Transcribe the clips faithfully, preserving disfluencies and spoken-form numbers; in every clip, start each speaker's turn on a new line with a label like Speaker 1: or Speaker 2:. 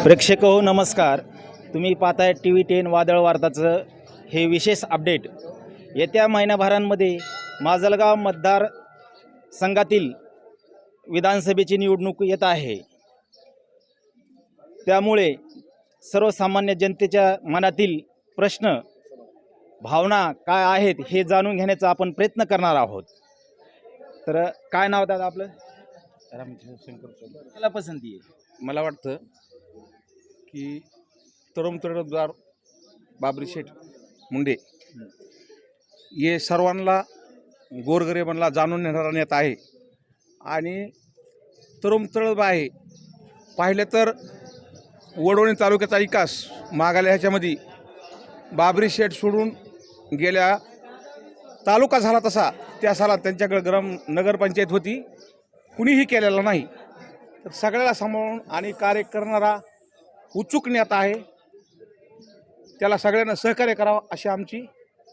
Speaker 1: प्रेक्षक हो नमस्कार. तुम्ही पाहताय टी व्ही टेन वादळ वार्ताचं हे विशेष अपडेट. येत्या महिन्याभरांमध्ये माजलगाव मतदार संघातील विधानसभेची निवडणूक येत आहे. त्यामुळे सर्वसामान्य जनतेच्या मनातील प्रश्न भावना काय आहेत हे जाणून घेण्याचा आपण प्रयत्न करणार आहोत. तर काय नाव दादा आपलं?
Speaker 2: रामचंद्र शंकर चौधरी.
Speaker 1: मला पसंती आहे.
Speaker 2: मला वाटतं की तरुण तरुणदार बाबरी शेठ मुंडे हे सर्वांना गोरगरिबांना जाणून घेणारा नेता आहे आणि तरुण तरुण आहे. पाहिलं तर वडवणी तालुक्याचा विकास मागायला ह्याच्यामध्ये बाबरी शेठ सोडून गेल्या तालुका झाला तसा त्या सालात त्यांच्याकडे ग्राम नगरपंचायत होती, कुणीही केलेला नाही. तर सगळ्याला सांभाळून आणि कार्य करणारा उत्सुक नेता आहे. त्याला सगळ्यांना सहकार्य करावं अशी आमची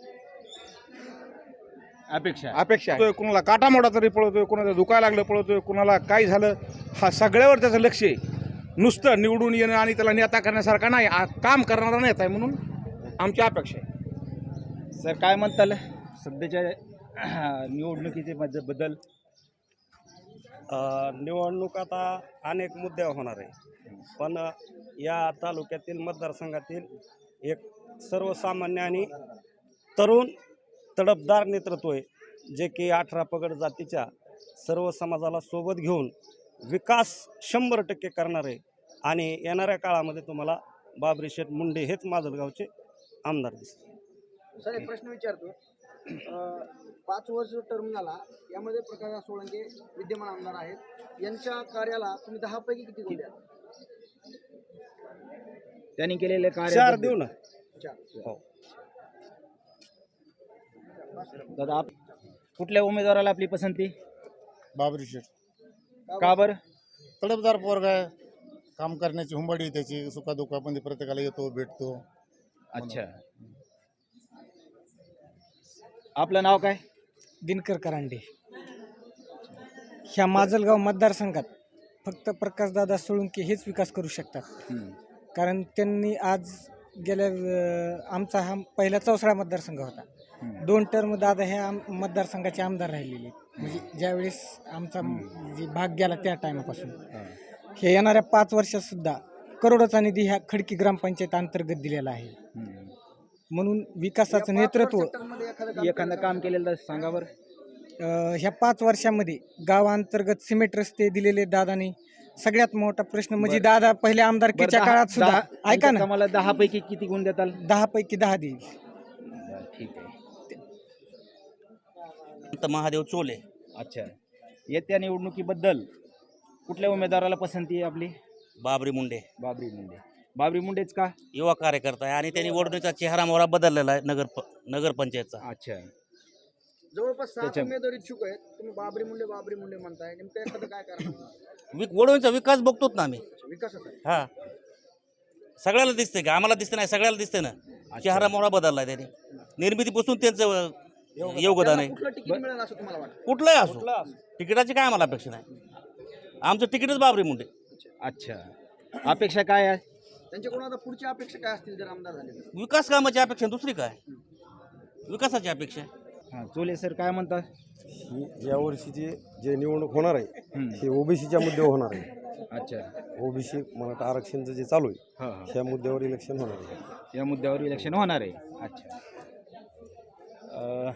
Speaker 1: अपेक्षा
Speaker 2: अपेक्षा आहे. कुणाला काटामोडा तरी पळवतोय, कुणाला दुखायला लागलं पळवतोय, कुणाला काय झालं, हा सगळ्यावर त्याचं लक्ष आहे. नुसतं निवडून येणं आणि त्याला नेता करण्यासारखा नाही, हा काम करणारा नेता आहे म्हणून आमची अपेक्षा आहे.
Speaker 1: सर काय म्हणताल सध्याच्या निवडणुकीचे बद्दल?
Speaker 3: निवडणूक आता अनेक मुद्दे होणार आहे, पण या तालुक्यातील मतदारसंघातील एक सर्वसामान्य आणि तरुण तडफदार नेतृत्व आहे, जे की अठरा पगड जातीच्या सर्व समाजाला सोबत घेऊन विकास शंभर टक्के करणार आहे. आणि येणाऱ्या काळामध्ये तुम्हाला बाबरी शेठ मुंडे हेच माजलगावचे आमदार दिसतील.
Speaker 4: सर एक प्रश्न विचारतो. पाच वर्ष टर्म झाला, यामध्ये प्रकाश सोळंके विद्यमान आमदार आहेत. यांच्या कार्याला तुम्ही दहा पैकी किती गुण द्याल?
Speaker 1: त्यांनी केलेले कार्य
Speaker 3: चार देऊ ना.
Speaker 4: हो.
Speaker 1: दादा आप कुठल्या उमेदवाराला आपली पसंती?
Speaker 5: बाबरी शेठ.
Speaker 1: का बरं?
Speaker 5: तडफदार पोरगा आहे, काम करण्याची हुंबडी त्याची, सुखादुखामध्ये प्रत्येकाला येतो भेटतो.
Speaker 1: अच्छा. आपलं नाव काय?
Speaker 6: दिनकर करांडे. ह्या माजलगाव मतदारसंघात फक्त प्रकाशदादा सोळंके हेच विकास करू शकतात. कारण त्यांनी आज गेल्या अं, आमचा हा पहिला चौसाळा मतदारसंघ होता. दोन टर्म दादा ह्या आम- मतदारसंघाचे आमदार राहिलेले, म्हणजे ज्यावेळेस आमचा जे भाग गेला त्या टायमापासून. हे येणाऱ्या पाच वर्षात सुद्धा करोडोचा निधी ह्या खडकी ग्रामपंचायत अंतर्गत दिलेला आहे. म्हणून विकासाचं नेतृत्व
Speaker 1: एखादं काम केलेलं सांगा बरं.
Speaker 6: अ, ह्या पाच वर्षामध्ये गावांतर्गत सिमेंट रस्ते दिलेले दादानी. सगळ्यात मोठा प्रश्न म्हणजे दादा पहिल्या आमदारकीच्या
Speaker 1: बरं,
Speaker 6: काळात
Speaker 1: दहा-
Speaker 6: सुद्धा
Speaker 1: दहा-
Speaker 6: ऐका ना,
Speaker 1: मला दहा पैकी किती गुण देताल?
Speaker 6: दहा पैकी दहा देईल.
Speaker 1: ठीक आहे.
Speaker 3: महादेव चोले.
Speaker 1: अच्छा. येत्या निवडणुकीबद्दल कुठल्या उमेदवाराला पसंती आहे आपली?
Speaker 3: बाबरी मुंडे
Speaker 1: बाबरी मुंडे. बाबरी मुंडेच का?
Speaker 3: युवा कार्यकर्ता आहे आणि त्यांनी वडणीचा चेहरा मोहरा बदललेला आहे नगर नगरपंचायतचा.
Speaker 1: अच्छा.
Speaker 4: जवळपास सात
Speaker 1: त्याच्या-
Speaker 4: उमेदवार इच्छुक आहेत. तुम्ही बाबरी मुंडे बाबरी मुंडे म्हणताय, नेमकं एखादं काय कारण?
Speaker 3: विक वडवणीचा विकास बघतोच ना आम्ही.
Speaker 4: विकासाचा आहे.
Speaker 3: हा, सगळ्याला दिसते का? आम्हाला दिसते नाही, सगळ्याला दिसते ना. चेहरा मोहरा बदलला आहे त्याने. निर्मितीपासून त्यांचं योगदान आहे.
Speaker 4: कुठलं तिकीट मिळेल असं तुम्हाला वाटतं?
Speaker 3: कुठलंही असो, तिकिटाची काय आम्हाला अपेक्षा नाही. आमचं तिकीटच बाबरी मुंडे.
Speaker 1: अच्छा. अपेक्षा काय आहे?
Speaker 4: त्यांच्याकडून आता पुढच्या अपेक्षा काय असतील जर आमदार झाले तर?
Speaker 3: विकास कामाची अपेक्षा, दुसरी काय? विकासाची अपेक्षा.
Speaker 1: हां, चोले सर काय म्हणतात?
Speaker 7: यावर्षीची जे निवडणूक होणार आहे
Speaker 1: हम्म.
Speaker 7: हे ओबीसीच्या मुद्द्यावर होणार आहे.
Speaker 1: अच्छा.
Speaker 7: ओबीसी मराठा आरक्षणचं जे चालू आहे
Speaker 1: हां हां.
Speaker 7: त्या मुद्द्यावर इलेक्शन होणार आहे.
Speaker 1: या मुद्द्यावर इलेक्शन होणार आहे. अच्छा. अ,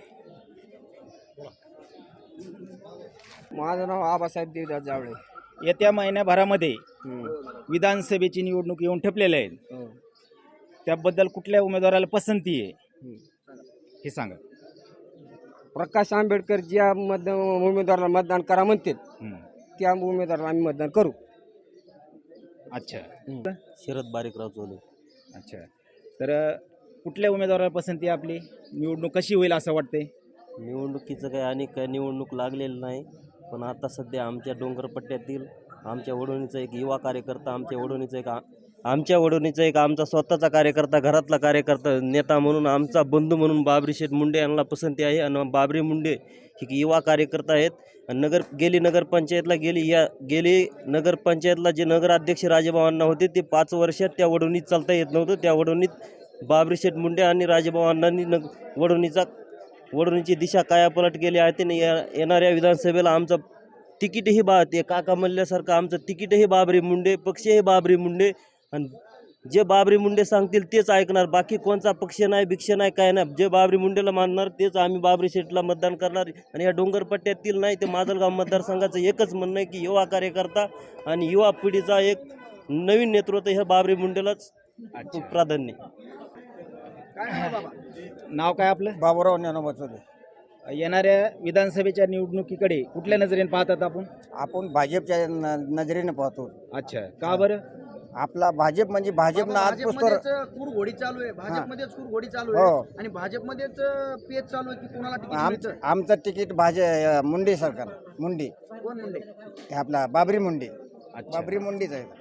Speaker 6: माझं नाव आबासाहेब देवदास जावळे.
Speaker 1: येत्या महिन्याभरामध्ये विधानसभेची निवडणूक येऊन ठेपलेल्या आहेत. त्याबद्दल कुठल्या उमेदवाराला पसंती आहे हे सांगा.
Speaker 6: प्रकाश आंबेडकर ज्या मत उमेदवाराला मतदान करा म्हणतील
Speaker 1: हम्म.
Speaker 6: त्या उमेदवाराला आम्ही मतदान करू.
Speaker 1: अच्छा.
Speaker 3: शरद बारीकराव चोले.
Speaker 1: अच्छा. तर अ, कुठल्या उमेदवाराला पसंती आहे आपली? निवडणूक कशी होईल असं वाटते?
Speaker 8: निवडणुकीचं काही आणि काय निवडणूक लागलेलं नाही, पण आता सध्या आमच्या डोंगरपट्ट्यातील आमच्या वडवणीचा एक युवा कार्यकर्ता, आमच्या वडवणीचा एक आ आमच्या वडवणीचा एक आमचा स्वतःचा कार्यकर्ता, घरातला कार्यकर्ता, नेता म्हणून, आमचा बंधू म्हणून बाबरी शेठ मुंडे यांना पसंती आहे. आणि बाबरी मुंडे ही युवा कार्यकर्ता आहेत. आणि नगर गेली नगरपंचायतला गेली या गेली नगरपंचायतला जे नगराध्यक्ष राजेभावांना होते ते पाच वर्षात त्या वडवणीत चालता येत नव्हतं. त्या वडवणीत बाबरी शेठ मुंडे आणि राजेभावांनी नग वडवणीचा वडवणीची दिशा कायापालट केली आहे. त्याने या येणाऱ्या विधानसभेला आमचं तिकीटही बा ते काका म्हणल्यासारखं आमचं तिकीटही बाबरी मुंडे, पक्षही बाबरी मुंडे. आणि जे बाबरी मुंडे सांगतील तेच ऐकणार. बाकी कोणचा पक्ष नाही, भिक्ष नाही, काय नाही. जे बाबरी मुंडेला मानणार तेच आम्ही बाबरी शेठला मतदान करणार. आणि या डोंगरपट्ट्यातील नाही ते माजलगाव मतदारसंघाचं एकच म्हणणं आहे की युवा कार्यकर्ता आणि युवा पिढीचा एक नवीन नेतृत्व ह्या बाबरी मुंडेलाच प्राधान्य.
Speaker 4: काय नाव बाबा?
Speaker 1: नाव काय आपलं?
Speaker 7: बाबूराव ज्ञानोबा चौधरी.
Speaker 1: येणाऱ्या विधानसभेच्या निवडणुकीकडे कुठल्या नजरेने पाहतात आपण?
Speaker 7: आपण भाजपच्या न- नजरेने पाहतो.
Speaker 1: अच्छा, का बरं?
Speaker 7: आपला भाजप म्हणजे भाजपनं आज पुस्तोर
Speaker 4: भाजपमध्येच कुरघोडी चालू आहे, भाजपमध्येच कुरघोडी चालू
Speaker 7: हो.
Speaker 4: आहे आणि भाजपमध्येच पेच चालू आहे की कोणाला तिकीट
Speaker 7: आम
Speaker 4: मिळतं.
Speaker 7: आमचं तिकीट भाजप मुंडे सरकार मुंडे
Speaker 4: कोण म्हणले?
Speaker 7: हे आपला बाबरी मुंडे.
Speaker 1: अच्छा.
Speaker 7: बाबरी मुंडेच आहे.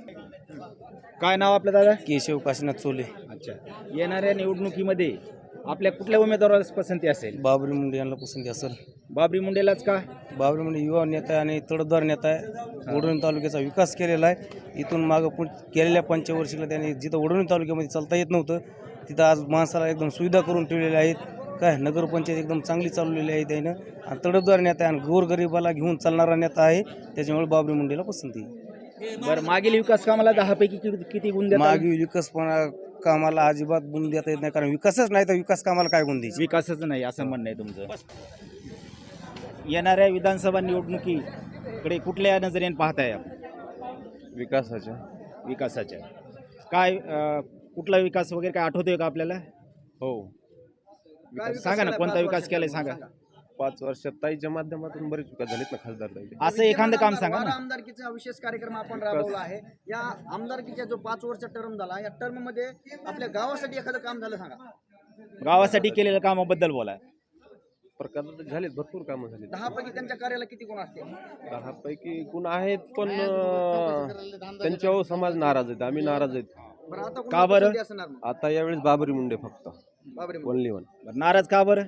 Speaker 1: काय नाव आपलं दादा?
Speaker 8: केशव काशीनाथ चोले.
Speaker 1: अच्छा, येणाऱ्या निवडणुकीमध्ये आपल्या कुठल्या उमेदवाराला पसंती असेल?
Speaker 8: बाबरी मुंडे यांना पसंती असेल.
Speaker 1: बाबरी मुंडेलाच का?
Speaker 8: बाबरी मुंडे युवा नेता आहे आणि तडफदार नेता आहे. वडवणी तालुक्याचा विकास केलेला आहे. इथून मागं पुढ केलेल्या पंचवर्षीला त्यांनी जिथं वडवणी तालुक्यामध्ये चालता येत नव्हतं तिथं आज माणसाला एकदम सुविधा करून ठेवलेल्या आहेत. काय नगरपंचायत एकदम चांगली चालवलेली आहे त्यानं. आणि तडफदार नेता आहे आणि गोरगरिबाला घेऊन चालणारा नेता आहे. त्याच्यामुळे बाबरी मुंडेला पसंती आहे.
Speaker 1: बरं, मागील विकास कामाला दहा पैकी किती किती गुण देतात?
Speaker 8: मागे विकासपणा कामाला अजिबात गुण देता येत नाही, कारण विकासच नाही तर विकास कामाला काय गुण द्यायची.
Speaker 1: विकासच नाही असं म्हणणं आहे तुमचं. येणाऱ्या विधानसभा निवडणुकीकडे कुठल्या नजरेने पाहताय आपण?
Speaker 2: विकासाच्या
Speaker 1: विकासाच्या काय अं, कुठला विकास वगैरे काय आठवतोय का आपल्याला?
Speaker 2: हो.
Speaker 4: काय विकास
Speaker 1: सांगा ना,
Speaker 4: झालाय
Speaker 1: कोणता
Speaker 4: पाच
Speaker 1: विकास
Speaker 4: वर्षात?
Speaker 1: केलाय सांगा.
Speaker 2: पाच वर्षात ताईच्या माध्यमातून बरेच विकास झालेत ना खासदार ताई.
Speaker 1: असं एखादं काम सांगा
Speaker 4: वारा
Speaker 1: ना.
Speaker 4: आमदारकीचा विशेष कार्यक्रम आपण राबवला आहे. या आमदारकीचा जो पाच वर्ष टर्म झाला, या टर्म मध्ये आपल्या गावासाठी एखादं काम झालं सांगा.
Speaker 1: गावासाठी केलेल्या कामाबद्दल बोला.
Speaker 2: प्रकार झालेत, भरपूर कामं झाली.
Speaker 4: दहा पैकी त्यांच्या कार्याला किती गुण असतील?
Speaker 2: दहा पैकी गुण आहेत, पण अं, त्यांच्यावर समाज नाराज आहेत, आम्ही नाराज आहेत.
Speaker 4: बरं, आता
Speaker 1: का
Speaker 4: कोणाला
Speaker 1: बरं?
Speaker 4: पसंती असणार मग?
Speaker 2: आता यावेळेस बाबरी मुंडे फक्त
Speaker 4: बाबरी मुंडे.
Speaker 2: Only one.
Speaker 1: बरं, नाराज का बरं?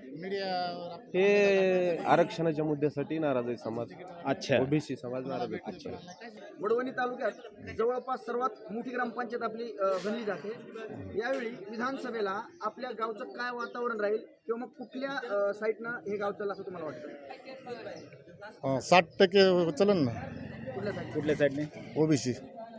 Speaker 2: हे आरक्षणाच्या मुद्द्यासाठी नाराज आहे समाज.
Speaker 1: अच्छा,
Speaker 2: ओबीसी समाज नाराज आहे.
Speaker 4: वडवणी तालुक्यात जवळपास सर्वात मोठी ग्रामपंचायत आपली अ, गणली जाते. यावेळी विधानसभेला आपल्या गावचं काय वातावरण राहील किंवा मग कुठल्या अ, साईडनं हे गाव चाललं असं तुम्हाला वाटतं?
Speaker 5: अं, साठ टक्के चलन ना
Speaker 4: कुठल्या साईड?
Speaker 1: कुठल्या साईडने?
Speaker 5: ओबीसी.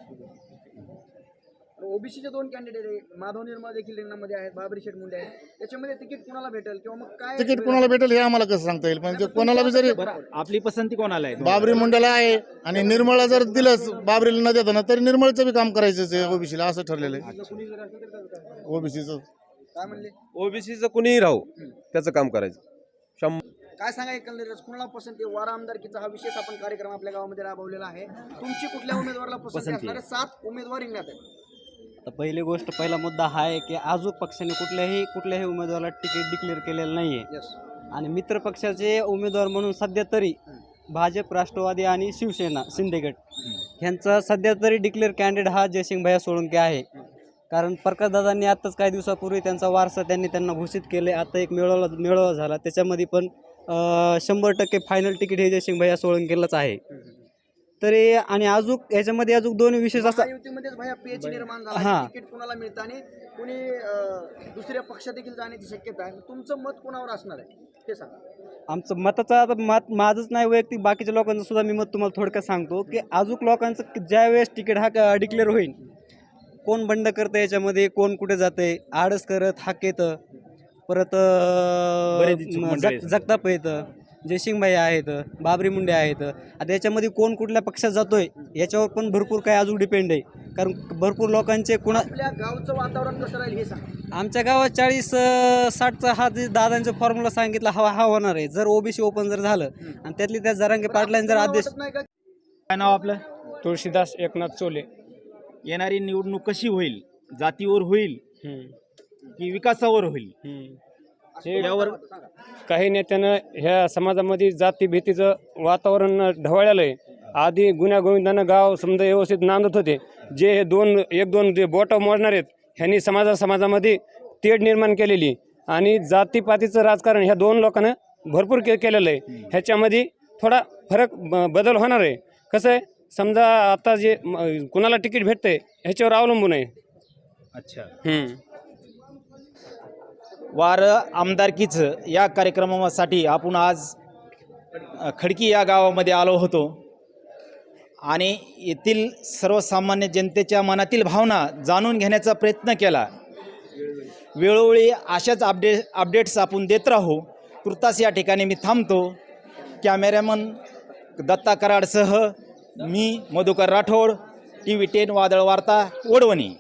Speaker 4: ओबीसीचे दोन कॅन्डिडेट आहेत, माधव निर्मळ देखील रिंगणामध्ये आहेत, बाबरी शेठ मुंडे आहेत. त्याच्यामध्ये तिकीट कुणाला भेटेल किंवा मग काय
Speaker 5: तिकीट कोणाला भेटेल हे आम्हाला कसं सांगता येईल, पण ते कोणाला बी जरी
Speaker 1: बरं, आपली पसंती कोणाला आहे?
Speaker 5: बाबरी मुंड्याला आहे आणि निर्मळला जर दिलंच बाबरीला न देताना तरी निर्मळचं बी काम करायचं आहे ओबीसीला, असं ठरलेलं आहे ओबीसीचं.
Speaker 4: काय म्हणले?
Speaker 2: ओबीसीचं कुणीही राहू त्याचं काम करायचं. शंभर
Speaker 4: काय सांगा एकंदरीत कुणाला पसंती आहे? वारा आमदारकीचा हा विशेष आपण कार्यक्रम आपल्या गावामध्ये राबवलेला आहे. तुमची कुठल्या उमेदवाराला पसंती
Speaker 1: पसंती
Speaker 4: असणार आहे? सात उमेदवार रिंगणात आहेत.
Speaker 9: तर पहिली गोष्ट, पहिला मुद्दा हा आहे की आजूक पक्षाने कुठल्याही कुठल्याही उमेदवाराला तिकीट डिक्लेअर केलेलं नाही आहे.
Speaker 4: यस.
Speaker 9: आणि मित्र पक्षाचे उमेदवार म्हणून सध्या तरी भाजप, राष्ट्रवादी आणि शिवसेना शिंदेगड ह्यांचा सध्या तरी डिक्लेअर कॅन्डिडेट हा जयसिंग सोळंके आहे. कारण प्रकाशदादांनी आत्ताच काही दिवसापूर्वी त्यांचा वारसा त्यांनी त्यांना घोषित केले. आता एक मेळावा मेळावा झाला, त्याच्यामध्ये पण अं, शंभर टक्के फायनल तिकीट हे जयसिंग सोळंकेलाच आहे. तरी आणि अजून याच्यामध्ये अजून दोन विशेष असा
Speaker 4: महायुतीमध्येच भैया पेच निर्माण झाला.
Speaker 9: हां.
Speaker 4: तिकीट कुणाला मिळतं आणि कुणी अं, दुसऱ्या पक्षात देखील जाण्याची शक्यता आहे. तुमचं मत कोणावर असणार आहे ते सांगा.
Speaker 9: आमचं मताचं आता मत माझंच नाही, वैयक्तिक बाकीच्या लोकांचं सुद्धा मी मत तुम्हाला थोडक्यात सांगतो की अजून लोकांचं ज्या वेळेस तिकीट हा डिक्लेअर होईल, कोण बंड करतं याच्यामध्ये, कोण कुठे जाते, आडस करत हाक येतं, परत
Speaker 1: बरेच इच्छुक मंडळी आहेत.
Speaker 9: जग जगताप येतं, जयसिंग भाई आहेत, बाबरी मुंडे आहेत. आता याच्यामध्ये कोण कुठल्या पक्षात जातोय याच्यावर पण भरपूर काही अजून डिपेंड आहे. कारण भरपूर लोकांचे कुणा
Speaker 4: आपल्या गावचं वातावरण कसं राहील हे सांगा.
Speaker 9: आमच्या गावात चाळीस अं, साठचा हा जे दादांचा फॉर्म्युला सांगितला हा हा होणार आहे. जर ओबीसी ओपन जर झालं आणि त्यातली त्या जरांगे पाटलांनी जर
Speaker 4: तुम्हाला
Speaker 9: आदेश.
Speaker 4: वाटत नाही का
Speaker 1: काय नाव आपलं?
Speaker 10: तुळशीदास एकनाथ चोले.
Speaker 1: येणारी निवडणूक कशी होईल? जातीवर होईल की विकासावर होईल? यावर
Speaker 10: काही नेत्यानं ह्या समाजामध्ये जातीभीतीचं वातावरण ढवळलेलं आहे. आधी गुन्ह्या गोविंदानं गाव समजा व्यवस्थित नांदत होते, जे हे दोन एक दोन जे बोट मोडणार आहेत ह्यांनी समाजा समाजामध्ये तेढ निर्माण केलेली आणि जातीपातीचं राजकारण ह्या दोन लोकांना भरपूर के केलेलं आहे. ह्याच्यामध्ये थोडा फरक ब- बदल होणार आहे. कसं आहे समजा आता जे म- कुणाला तिकीट भेटतंय ह्याच्यावर अवलंबून आहे.
Speaker 1: अच्छा.
Speaker 10: हम्म.
Speaker 1: वारं आमदारकीचं या कार्यक्रमासाठी आपण आज अ, खडकी या गावामध्ये आलो होतो आणि येथील सर्वसामान्य जनतेच्या मनातील भावना जाणून घेण्याचा प्रयत्न केला. वेळोवेळी अशाच अपडे अपडेट्स आपण देत राहू. तुर्तास या ठिकाणी मी थांबतो. कॅमेरामन दत्ता कराडसह मी Madhukar Rathod, T V ten वादळ वार्ता वडवणी.